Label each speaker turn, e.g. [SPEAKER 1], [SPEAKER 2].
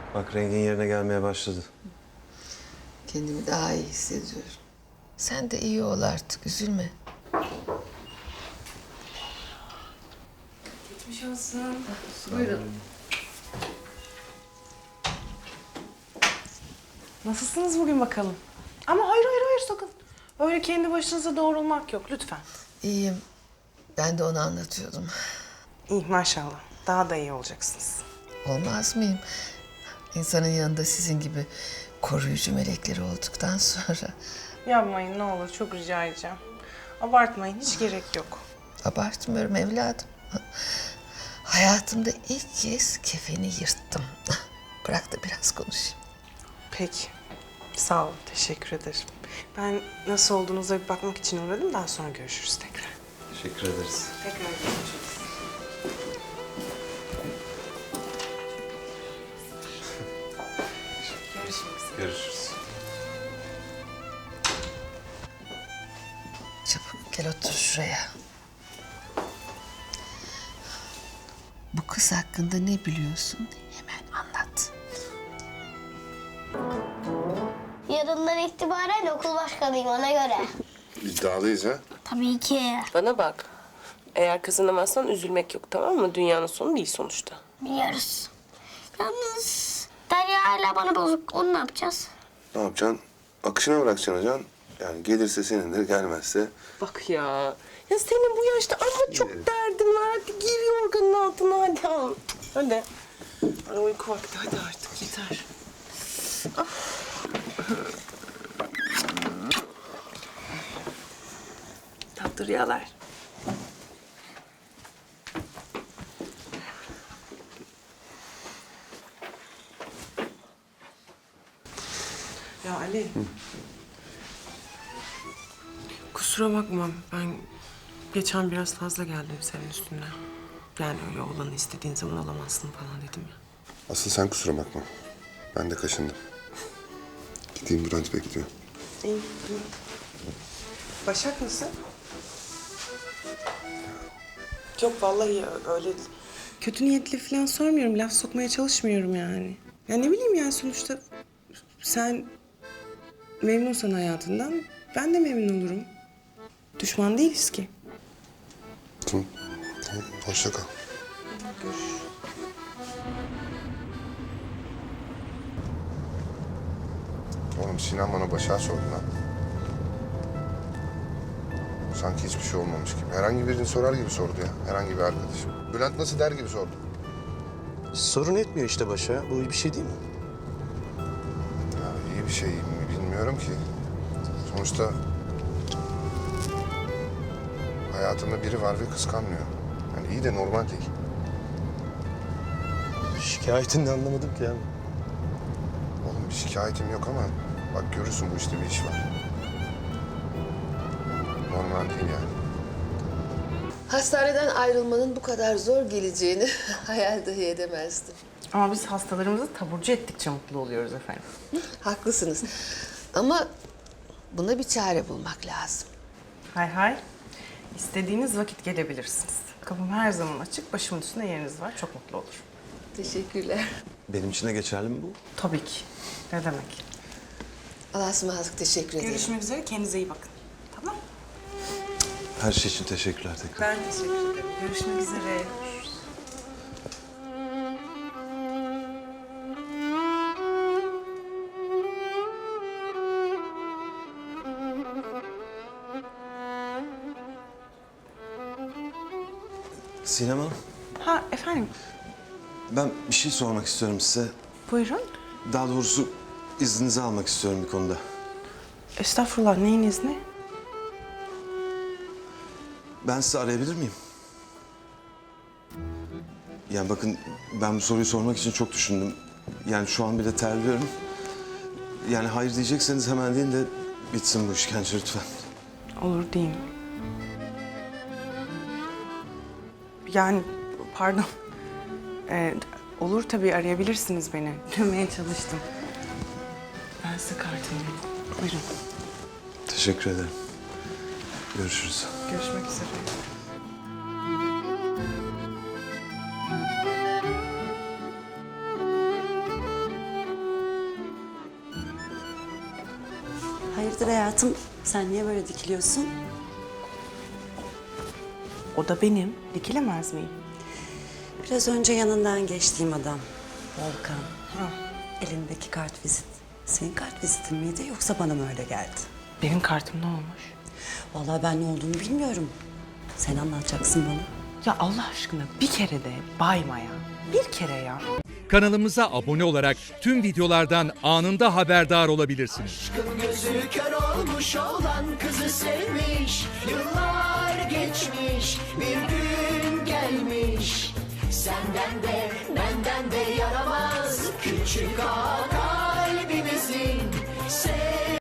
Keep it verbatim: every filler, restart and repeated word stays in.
[SPEAKER 1] Bak rengin yerine gelmeye başladı.
[SPEAKER 2] Kendimi daha iyi hissediyorum. Sen de iyi ol artık, üzülme.
[SPEAKER 3] Geçmiş olsun. Buyurun. Nasılsınız bugün bakalım? Ama hayır hayır hayır sakın. Öyle kendi başınıza doğrulmak yok lütfen.
[SPEAKER 2] İyiyim. Ben de onu anlatıyordum.
[SPEAKER 3] İyi maşallah. Daha da iyi olacaksınız.
[SPEAKER 2] Olmaz mıyım? İnsanın yanında sizin gibi koruyucu melekleri olduktan sonra
[SPEAKER 3] Yapmayın ne olur çok rica edeceğim. Abartmayın hiç gerek yok.
[SPEAKER 2] abartmıyorum evladım. Hayatımda ilk kez kefeni yırttım. Bırak da biraz konuşayım.
[SPEAKER 3] Peki. Sağ olun. Teşekkür ederim. Ben nasıl olduğunuza bir bakmak için uğradım. Daha sonra görüşürüz tekrar.
[SPEAKER 1] Teşekkür ederiz.
[SPEAKER 3] Tekrar görüşürüz. Görüşmek üzere.
[SPEAKER 1] Görüşürüz.
[SPEAKER 2] Çabuk gel otur şuraya. Bu kız hakkında ne biliyorsun? Hemen anlat.
[SPEAKER 4] Yarından itibaren okul başkanıyım ona göre.
[SPEAKER 5] İddialıyız ha.
[SPEAKER 4] Tabii ki.
[SPEAKER 6] Bana bak. Eğer kazanamazsan üzülmek yok, tamam mı? Dünyanın sonu değil sonuçta.
[SPEAKER 4] Biliyoruz. Yalnız Derya hala bana bozuk. Onu ne yapacağız?
[SPEAKER 5] Ne yapacaksın? Akışına bırakacaksın hocam. Yani gelirse senindir, gelmezse.
[SPEAKER 6] Bak ya. Ya senin bu yaşta ama çok derdin var. Hadi gir yorganın altına hadi al. Hadi. Bana uyku vakti hadi artık yeter. Ah. Tatlı rüyalar.
[SPEAKER 3] Ya Ali. Kusura bakma ben geçen biraz fazla geldim senin üstüne. Yani öyle olanı istediğin zaman alamazsın falan dedim ya.
[SPEAKER 5] Asıl sen kusura bakma. Ben de kaşındım. Gideyim, Bülent bekliyor.
[SPEAKER 3] İyi, iyi. Başak nasıl? Yok vallahi öyle kötü niyetli falan sormuyorum. Laf sokmaya çalışmıyorum yani. Ya ne bileyim yani sonuçta sen memnunsan hayatından ben de memnun olurum. Düşman değiliz ki.
[SPEAKER 5] Tamam. Tamam. Hoşça kal.
[SPEAKER 3] Görüşürüz.
[SPEAKER 5] Oğlum Sinan bana Başak'ı sordu lan. Sanki hiçbir şey olmamış gibi. Herhangi birini sorar gibi sordu ya. Herhangi bir arkadaşım. Bülent nasıl der gibi sordu.
[SPEAKER 7] Sorun etmiyor işte başa. Bu iyi bir şey değil mi?
[SPEAKER 5] Ya iyi bir şey mi bilmiyorum ki. Sonuçta hayatımda biri var ve kıskanmıyor. Yani iyi de normal değil.
[SPEAKER 7] Şikayetini de anlamadım ki ya.
[SPEAKER 5] Oğlum bir şikayetim yok ama bak görürsün bu işte bir iş var. Normal değil yani.
[SPEAKER 2] Hastaneden ayrılmanın bu kadar zor geleceğini hayal dahi edemezdim.
[SPEAKER 3] Ama biz hastalarımızı taburcu ettikçe mutlu oluyoruz efendim.
[SPEAKER 2] Haklısınız. Ama buna bir çare bulmak lazım.
[SPEAKER 3] Hay hay. İstediğiniz vakit gelebilirsiniz. Kapım her zaman açık. Başımın üstünde yeriniz var. Çok mutlu olur.
[SPEAKER 2] Teşekkürler.
[SPEAKER 1] Benim için de geçerli mi bu?
[SPEAKER 3] Tabii ki. Ne demek?
[SPEAKER 2] Allah'a ısmarladık, teşekkür ederim.
[SPEAKER 3] Görüşmek üzere. Kendinize iyi bakın. Tamam.
[SPEAKER 1] Her şey için teşekkürler tekrar.
[SPEAKER 3] Ben teşekkür ederim. Görüşmek üzere.
[SPEAKER 1] Sinem Hanım,
[SPEAKER 3] Ha efendim.
[SPEAKER 1] ben bir şey sormak istiyorum size.
[SPEAKER 3] Buyurun.
[SPEAKER 1] Daha doğrusu izninizi almak istiyorum bir konuda.
[SPEAKER 3] Estağfurullah. Neyin izni?
[SPEAKER 1] Ben sizi arayabilir miyim? Yani bakın ben bu soruyu sormak için çok düşündüm. Yani şu an bile terliyorum. Yani hayır diyecekseniz hemen deyin de bitsin bu işkence lütfen.
[SPEAKER 3] Olur diyeyim. Yani pardon. Ee, olur tabii arayabilirsiniz beni. Dönmeye çalıştım. Ben size kartımı vereyim. Buyurun.
[SPEAKER 1] Teşekkür ederim. Görüşürüz.
[SPEAKER 3] Görüşmek üzere.
[SPEAKER 8] Hayırdır hayatım? Sen niye böyle dikiliyorsun?
[SPEAKER 3] O da benim. Dikilemez miyim?
[SPEAKER 8] Biraz önce yanından geçtiğim adam. Volkan. Ha. Elindeki kart vizit. Senin kart vizitin miydi yoksa bana mı öyle geldi?
[SPEAKER 3] Benim kartım ne olmuş?
[SPEAKER 8] Vallahi ben ne olduğunu bilmiyorum. Sen anlatacaksın bana.
[SPEAKER 3] Ya Allah aşkına bir kere de bayma ya. Bir kere ya.
[SPEAKER 9] Kanalımıza abone olarak tüm videolardan anında haberdar olabilirsiniz.
[SPEAKER 10] Aşkın gözü kör olmuş olan kızı sevmiş. Yıllar geçmiş, bir gün gelmiş. Senden de benden de yaramaz küçük ağa